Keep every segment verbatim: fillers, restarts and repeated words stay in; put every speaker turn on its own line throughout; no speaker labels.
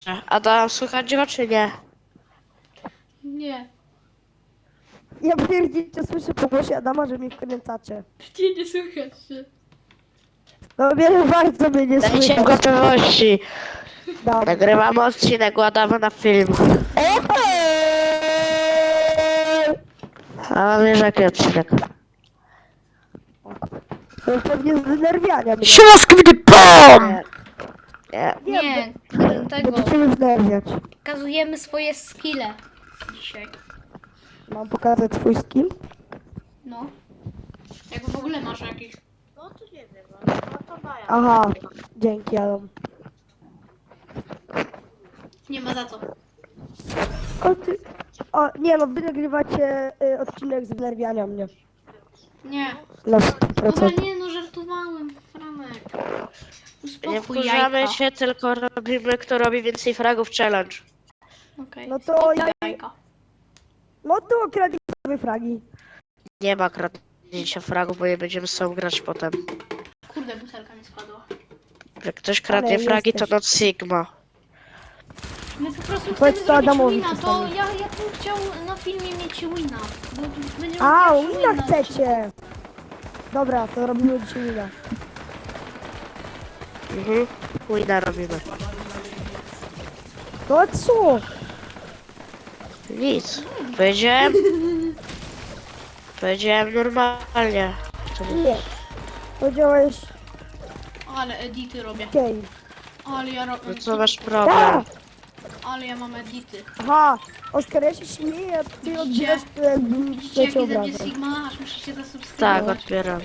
Adam, słychać go czy nie?
Nie.
Ja pierdzicie słyszę po głosie Adama, że mnie wkręcacie.
Gdzie nie słychać się?
No mnie bardzo mnie nie
Dajcie
słychać.
gotowości.
Dam.
Nagrywamy odcinek, ładamy na film.
Eee!
A wiesz jaki odcinek?
To pewnie zdenerwiania mnie.
Siłaski będzie POM!
Nie. Nie.
Nie, nie tego.
Będziecie mnie zdenerwiać.
Pokazujemy swoje skille dzisiaj.
Mam pokazać twój skill?
No. Jak w ogóle masz jakiś.
No to nie wiem, no to daję.
Aha, dzięki Adam.
Nie ma za co.
O, ty... o nie no, wy nagrywacie y, odcinek zdenerwiania mnie.
Nie.
Na sto
Dobra,
procent.
nie no, żartowałem, Franek.
Nie
Uspokój
wkurzamy
jajka.
się, tylko robimy kto robi więcej fragów challenge.
Okej.
No to
Spokój
ja-
jajka.
No to okradnij sobie fragi.
Nie ma kradnięcia fragów, bo nie będziemy z sobą grać potem.
Kurde, butelka mi spadła.
Jak ktoś kradnie
Ale
fragi, to
jesteś.
not Sigma.
My po prostu
Powiedz
chcemy
to
zrobić
Adamowi
wina, to
czasami.
ja, ja bym chciał na filmie mieć wina. Bo będziemy
A,
pierwszy
wina
win na
chcecie. Dobra, to robimy dzisiaj wina.
Mhm. Wina robimy.
No co?
Nic. Powiedziałem... Powiedziałem normalnie. To nie-
Nie. Powiedziałeś
Ale edity robię.
okej.
Ale ja robię.
No co masz problem?
Ale ja mam edity.
Aha, Oskar, ja się śmieję, a ty odbierasz to jakbym
Widzicie
cię
jaki ze mnie
obrażał.
Sigma? Aż musicie
Tak,
zasubskrybować.
odbieram.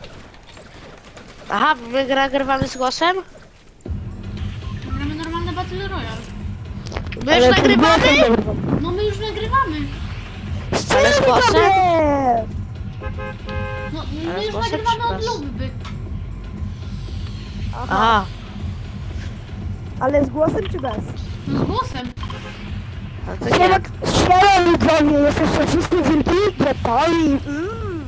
Aha, bo my gra- nagrywamy z głosem?
Mamy normalne Battle Royale.
My już nagrywamy?
No my już nagrywamy.
Ale z głosem?
Nie!
No
Ale
my
z
już
głosem
nagrywamy
czy
od
bez?
lubby.
Aha,
Aha,
ale z głosem czy bez?
No z głosem.
a to nie.
Siema, siema widzowie, jesteście wszyscy wielki, gotowi. Mm.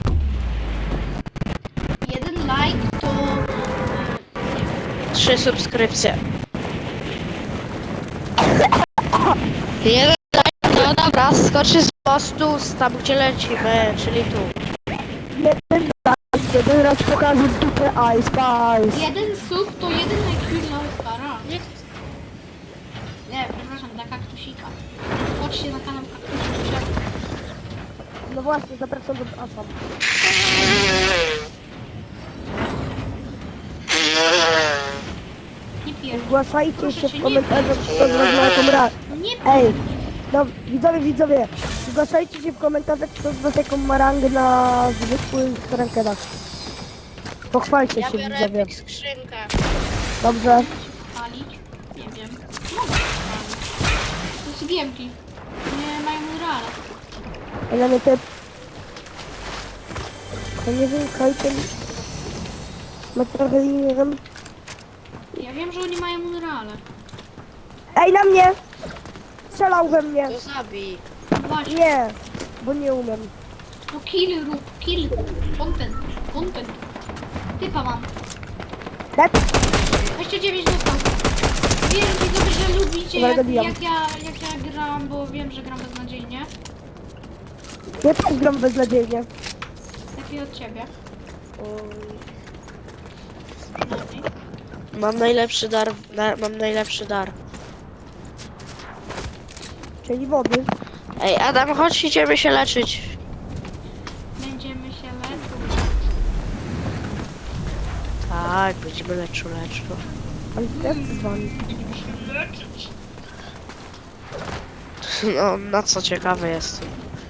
Jeden like to...
Trzy subskrypcje. Jeden like, no dobra, skoczy z mostu tam gdzie lecimy, czyli tu.
Jeden raz, jeden raz pokażę dupę Ice Spice.
Jeden sub to jeden I Q dla Oscara. Nie, nie, przepraszam, dla kaktusika. Chodźcie na kanał kaktusika.
No właśnie, zapraszam do Asam.
Nie pierdol.
Zgłaszajcie
Proszę
się
cię,
w
nie
komentarzach,
pierdol.
kto z was ma jaką ra...
Nie
Ej, no widzowie, widzowie, zgłaszajcie się w komentarzach, kto z was jaką ma rangę na zwykłych rankedach. Pochwalcie
Ja
się,
biorę
widzowie.
epic skrzynkę.
Dobrze.
palić? Nie wiem. Mogę palić. To jest giemki. Nie mają murala.
Ej, na mnie te... Ja nie wiem, Kajten... Ma trochę nie wiem...
Ja wiem, że oni mają murale.
Ej, na mnie! Strzelał we mnie!
To zabij.
Właśnie.
Nie, bo nie umiem.
No kill rób, kill. Content, content. Typa mam.
Dead?
dwadzieścia dziewięć dostał. Wiem, widzowie, że lubicie
Dobra,
jak,
dobijam.
jak, ja, jak ja gram, bo wiem, że gram beznadziejnie.
Ja też gram beznadziejnie.
Lepiej od ciebie. Przynajmniej.
Mam najlepszy dar, na, mam najlepszy dar.
Czyli wody.
Ej, Adam, chodź, idziemy się leczyć.
Będziemy się leczyć.
Tak, będziemy leczu, leczu.
Ale ja chcę z wami.
No, na co ciekawy jestem.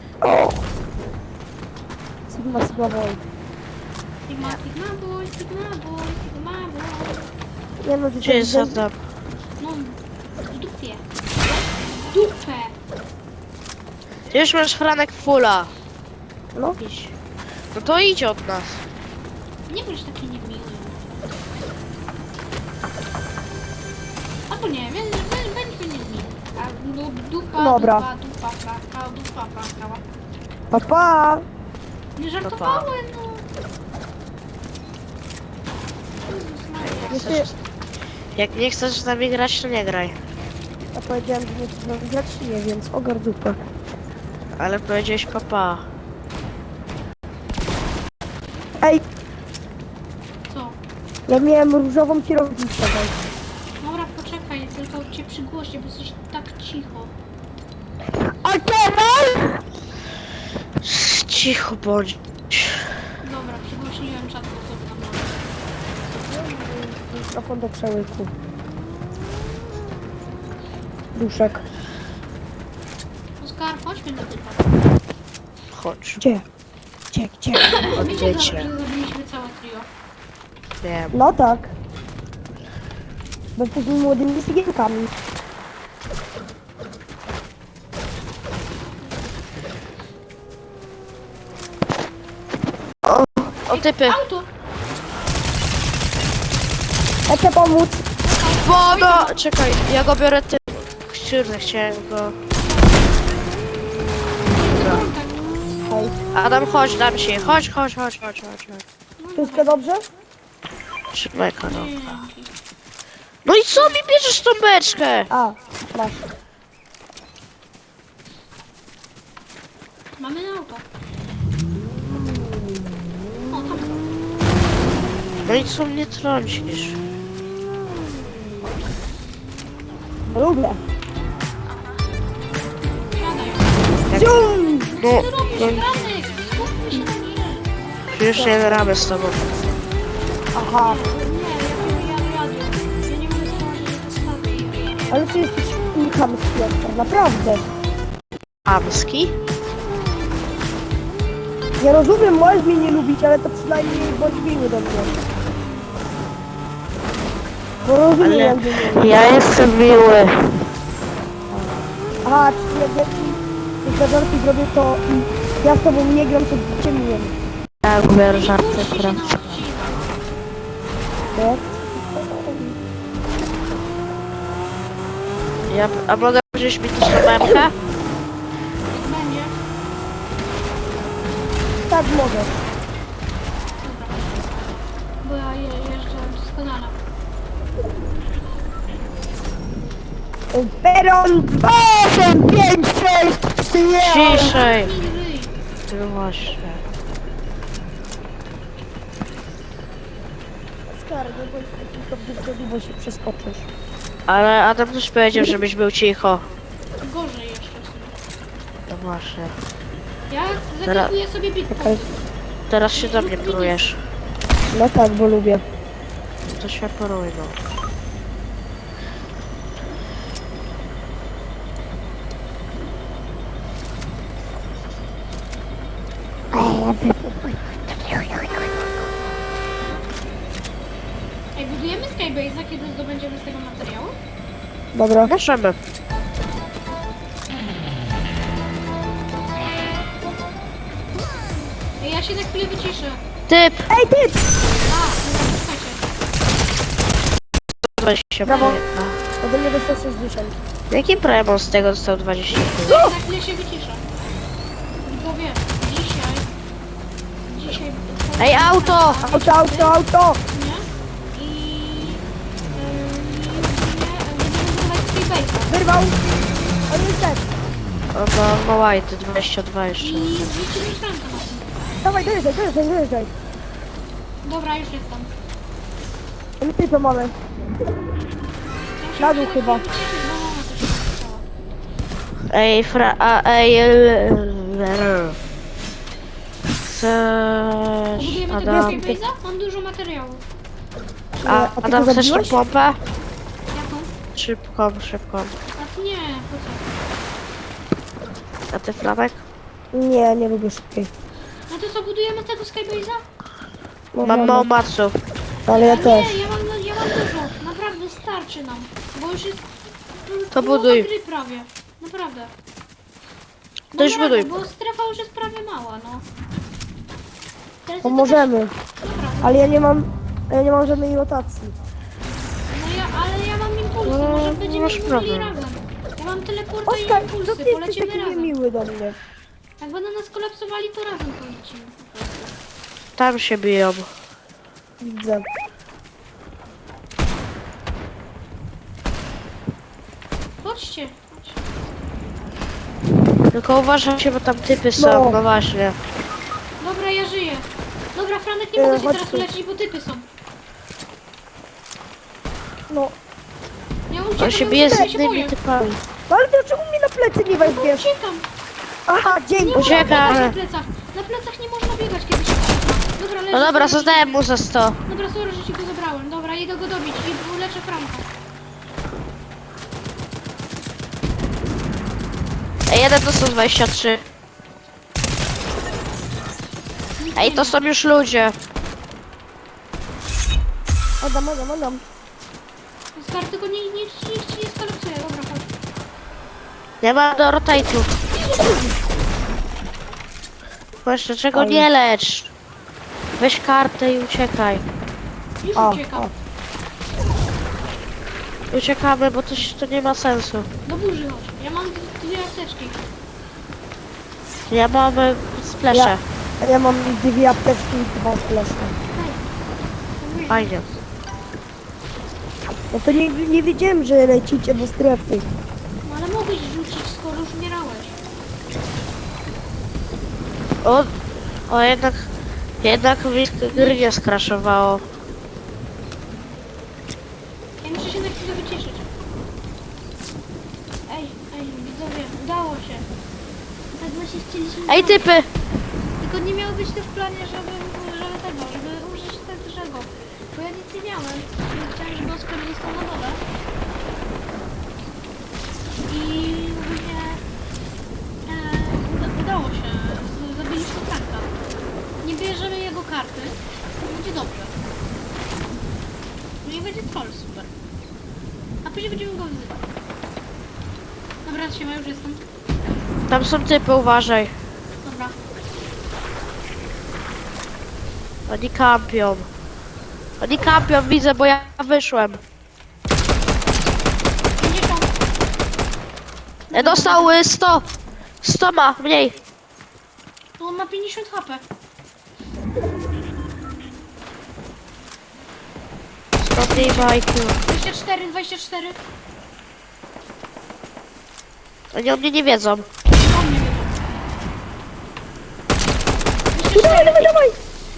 Sigma, Sigma Void.
Sigma, sigma boy, sigma boy, sigma boy.
Nie no, ty
Gdzie jest
to
Adam?
No, w dupie. W dupę.
Ty już masz Franek fulla.
No,
Idź. No to idź od nas.
Nie bądź taki niemiły. Albo nie, więc bądźmy niemiły. A no, dupa,
Dobra.
dupa, dupa, fraka, dupa, fraka.
pa pa!
Nie żartowałem, no. Jezus Maria.
Jak, chcesz, jak nie chcesz z nami grać, to nie graj.
Ja powiedziałem, że nie chcę grać, nie, więc ogar dupę.
Ale powiedziałeś papa.
Ej,
Co?
ja miałem różową kierownicę. daj.
Dobra, poczekaj, tylko cię przygłośnie, bo jesteś tak cicho.
A teraz?
Cicho bądź.
Dobra, przygłośniłem czat głosowy na mnie.
Mikrofon do przełyku. Duszek.
Oskar, chodźmy na typa.
Chodź.
Gdzie? Gdzie, gdzie?
Wiecie, że
Odwiecie.
że zabiliśmy całe trio.
Wiem.
No tak. Bo jesteśmy młodymi cygienkami.
O typy.
Auto!
Ja chcę pomóc.
Woda! Czekaj, ja go biorę ty. Kurde, chciałem go. Dobra.
Kontakt.
Hej.
Adam, chodź, dam ci. Chodź, chodź, chodź, chodź, chodź. chodź.
Wszystko dobrze?
Trzymaj kanał.
Dzięki.
No i co mi bierzesz tą beczkę?
A, masz.
Mamy na auto. O, tam są.
No i co mnie trącisz?
Lubię.
Siadaj.
Zium!
No,
Co ty robisz,
no
Franek? Skupmy się na nie.
już nie ramy z tobą.
Aha.
Nie, ja ja jadę. Ja nie mogę zobaczyć, że to stawię.
Ale ty jesteś chamski, Oskar, naprawdę.
Amski?
Ja rozumiem, możesz mnie nie lubić, ale to przynajmniej bądź miły do mnie. Bo rozumiem,
Ale
jak mnie nie lubisz.
ja jestem miły.
Aha, czyli jak ja ci te żarty zrobię, to i ja z tobą nie gram, to cię miłem.
Tak, biorę żarty,
Puśćcie się
prawda?
na odcinek.
Nie?
Ja, a mogę wziąć mi też na memkę?
Jak będzie?
Tak mogę.
Dobra. Bo ja je, jeżdżę doskonale.
Peron dwa, osiem, pięć, sześć, trzy, nie.
Ciszej.
Nie ryj.
Ty właśnie.
Oskar, nie bądź taki kopnicy, bo się przeskoczysz.
Ale Adam też powiedział, żebyś był cicho.
Gorzej jeszcze w sumie.
No właśnie.
Ja zakupuję sobie bitcoin.
Czekaj.
Teraz się do mnie prujesz.
No tak, bo lubię.
To się poruj, no.
Ej, budujemy Skybase'a, kiedy zdobędziemy z tego materiału?
Dobra.
Możemy.
Ej, ja się na chwilę wyciszę.
Typ!
Ej, ty!
A, dobra, słuchajcie.
dwadzieścia
Brawo.
pięć.
Ode mnie dostał sześćdziesiąt.
Jaki Premon z tego dostał dwadzieścia pięć?
Ja na chwilę się wyciszę. Bo wiem, dzisiaj... Dzisiaj...
Ej, auto!
Auto, auto, auto!
Nie? I... Yy, będziemy budować Skybase'a.
Wyrwał! On jest dead.
O, no, no white, dwadzieścia dwa jeszcze.
I wrzucimy szrankę na tym.
Dawaj, dojeżdżaj, dojeżdżaj, dojeżdżaj.
Dobra, już jestem.
My typę mamy.
Ja się
Na dół
muszę
chyba.
na chwilę wyciszyć, bo mama też się wyciszała.
Ej, fra... A, ej... l- Chcesz...
Budujemy tego
Adam...
Skybase'a? Mam dużo materiału.
A,
A ty
Adam,
go
chcesz tą
zabiłeś?
pompę?
Jaką?
Szybką, szybką.
A nie, po co?
A ty, Franek?
Nie, nie lubię szybkiej.
No to co, budujemy tego Skybase'a?
No,
Mam
mamy.
mało maców.
Ale ja
Nie,
też.
ja mam, ja mam dużo. Naprawdę starczy nam. Bo już jest...
To
połowa
buduj.
gry prawie. Naprawdę.
To już
Naprawdę,
buduj.
bo strefa już jest prawie mała, no. Teraz
To
jest
możemy.
jakaś- Dobra,
Ale ja nie mam... Ja nie mam żadnej rotacji.
no ja, ale ja mam impulsy,
No,
może będziemy
masz
budowali
problem.
razem. Ja mam teleporta
Oskar,
i
co
impulsy,
ty jesteś
polecimy
taki
razem.
niemiły do mnie?
Jak będą nas kolapsowali, to razem polecimy po prostu.
Tam się biją.
Widzę.
Chodź chodźcie. chodźcie.
Tylko uważajcie, bo tam typy są,
No.
no właśnie.
Dobra, ja żyję. Dobra, Franek, nie
E,
mogę się
chodź
teraz
tu.
uleczyć, bo typy są.
No.
Ja
On
uciekam,
się
ja
bije z
uciekam, ja się
innymi
boję.
typami.
No ale dlaczego mi na plecy nie weźmiesz?
Uciekam.
Aha, dzięki.
Nie można
Uciekam.
biegać na plecach. Na plecach nie można biegać, kiedy się ucieka. Dobra, leży.
No dobra,
sorry,
zadałem
że-
mu za sto.
Dobra, sorry, że ci go zabrałem. Dobra, idę go dobić i uleczę Franka.
Ej, jeden to są dwadzieścia trzy.
Nic
Ej,
nie
to
ma.
są już ludzie.
Adam, Adam, Adam.
Oskar, tylko nie, nie, niech ci nie skalopsuje. Dobra, chodź.
Nie ma do rotate'u. Właśnie, czego
Oj.
nie lecz? Weź kartę i uciekaj.
Już
O,
uciekam.
o.
Uciekamy, bo to, się- to nie ma sensu.
Do burzy chodź. Ja mam d- dwie apteczki.
Ja mam e, splesze.
Ja, ja mam dwie apteczki i dwa flesze.
Hej.
Fajnie.
No to nie, nie wiedziałem, że lecicie do strefy.
No ale mogłeś rzucić, skoro już umierałeś.
O, o jednak, jednak mi gry nie skraszowało.
Ja muszę się na chwilę wycieszyć. Ej, ej, widzowie, udało się. Tak właśnie chcieliśmy...
Ej, typy!
Tylko nie miało być to w planie, żeby, żeby tego, żeby użyć tego. Bo ja nic nie miałem. Ja chciałem, żeby Oskar został na dole. I ogólnie e, uda, udało się. Z- Zabiliśmy Franka. Nie bierzemy jego karty. Będzie dobrze. No i będzie troll, super. A później będziemy go wyzywać. Dobra, siema, już jestem.
Tam są typy, uważaj.
Dobra.
Oni kampią. Oni kampią, widzę, bo ja wyszłem.
pięćdziesiąt.
E, dostał y, sto. sto ma, mniej.
No on ma pięćdziesiąt H P.
sto mniej ma I Q.
dwadzieścia cztery, dwadzieścia cztery.
Oni o mnie nie wiedzą.
On nie wie. dwadzieścia
Dawaj,
cztery.
dawaj, dawaj!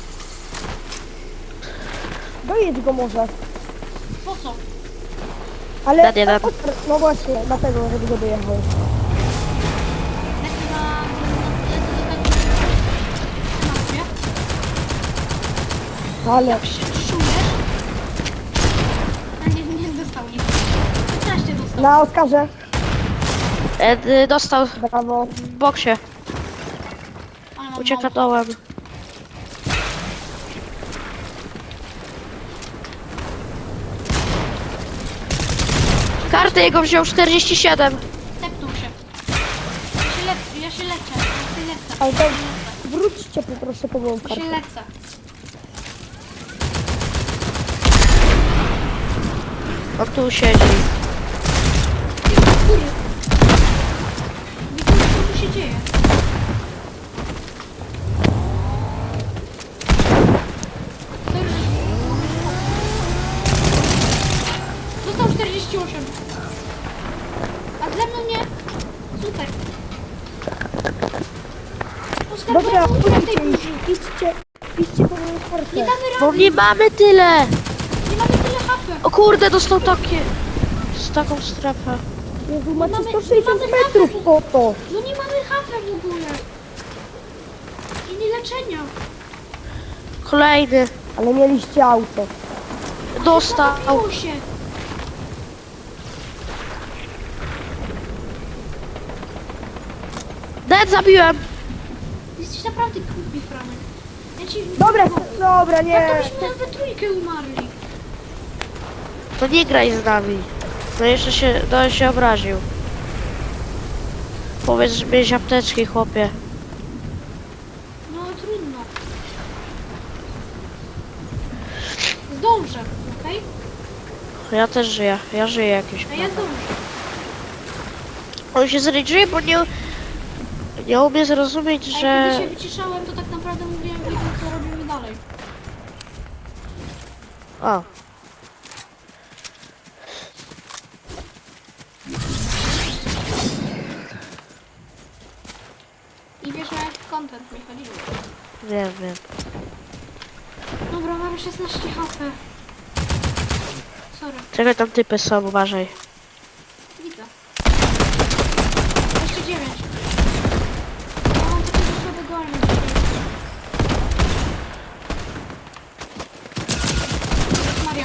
Dojedź go może.
Po co?
Ale...
Nad jeden.
No właśnie, dlatego, żeby go dojechał.
Lecę na... lecę do tego... Na
Ale...
Jak się czujesz? A nie, nie dostał nic. piętnaście dostał.
Na Oskarze.
E, y, dostał
Brawo.
w boksie.
Ale mam
Ucieka
mało.
dołem. Kartę jego wziął czterdzieści siedem.
Tepnął się. Ja się lecę, ja się leczę. Ja się lecę.
Ale to wróćcie poproszę po moją
Ja się
kartę.
lecę.
On tu siedzi.
Ty, do góry. Widzę, co tu się dzieje. Sorry, że- Dostał czterdzieści osiem. A ze mną nie? Super. Oskar,
Dobra,
bo ja umrę w tej
idźcie,
burzy.
idźcie, idźcie po moją
Nie
kartę.
damy
Bo
rady.
nie mamy tyle.
Nie mamy tyle H P.
O kurde, dostał takie... Z taką strefę.
Jezu, macie
mamy-
sto sześćdziesiąt
mamy
metrów
mapę.
po to.
No nie mamy H P w ogóle. I nie leczenia.
Kolejny.
Ale mieliście auto.
Dostał.
Zabiło się.
Dead zabiłem.
Jesteś naprawdę głupi, Franek. Ja ci...
Dobra, dobra,
Tak
nie.
to byśmy we trójkę umarli.
To nie graj z nami. No jeszcze się, no się obraził. Powiedz, że miałeś apteczki, chłopie.
No trudno. Zdążę, okej?
Ja też żyję. Ja żyję jakimś
A ja
prawem.
zdążę.
On się zrejdżuje, bo nie... Nie umie zrozumieć,
A
że...
kiedy się wyciszałem, to tak naprawdę mówiłem widzom, co robimy dalej.
O.
content mi chodziło.
Wiem, wiem.
Dobra, mamy szesnaście H P. Sorry,
Czekaj, tam typy są, uważaj.
widzę. Jeszcze dziewięć. Ja mam takiego słabego armii dzisiaj. Jezus Maria.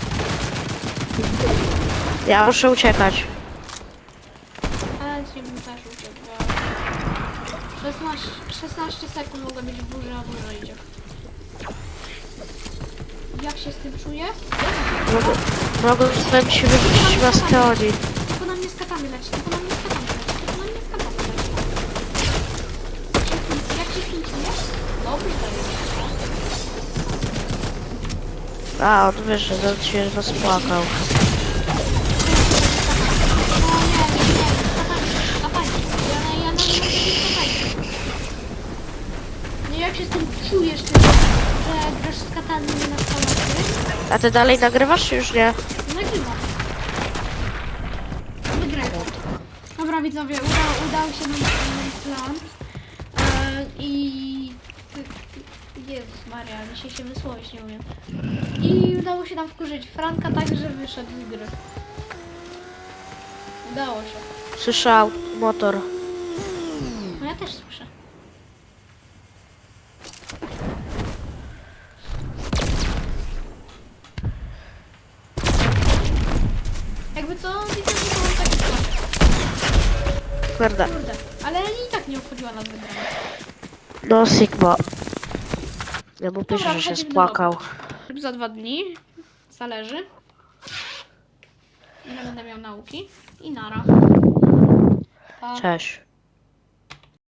Ja muszę uciekać.
Ale ci bym też uciekł. szesnaście, szesnaście sekund mogę być w burze, a burza idzie. Jak się z tym czuję?
Mogę, mogę ci wyrzucić maskę oni.
Tylko na mnie z katami leci, tylko na mnie z katami leci, tylko na mnie z katami leci. Jak się z tym czujesz? Dobrze, to
A, on wiesz, że on się rozpłakał.
O nie, nie, nie, z katami, katami. Ja, ja nawet nie wiem, z katami. Nie, jak się z tym czujesz, ty, że grasz z katami na stanowisku?
A ty dalej nagrywasz, czy już nie?
Nagrywam. Wygrałem. Dobra widzowie, uda, udał się nam ten plan. E, I... Jezus Maria, dzisiaj się wysłowić nie umiem. I udało się nam wkurzyć Franka tak, że wyszedł z gry. Udało się.
Słyszał motor.
No ja też słyszę. Jakby co, widzę, że to mam taki plan.
Kurde.
Kurde, ale i tak nie obchodziła nas wygrana.
No, Sigma. Ja mu piszę,
Dobra,
że się
wchodzimy do
spłakał.
Za dwa dni. Zależy. Ile będę miał nauki. I nara. Pa.
Cześć.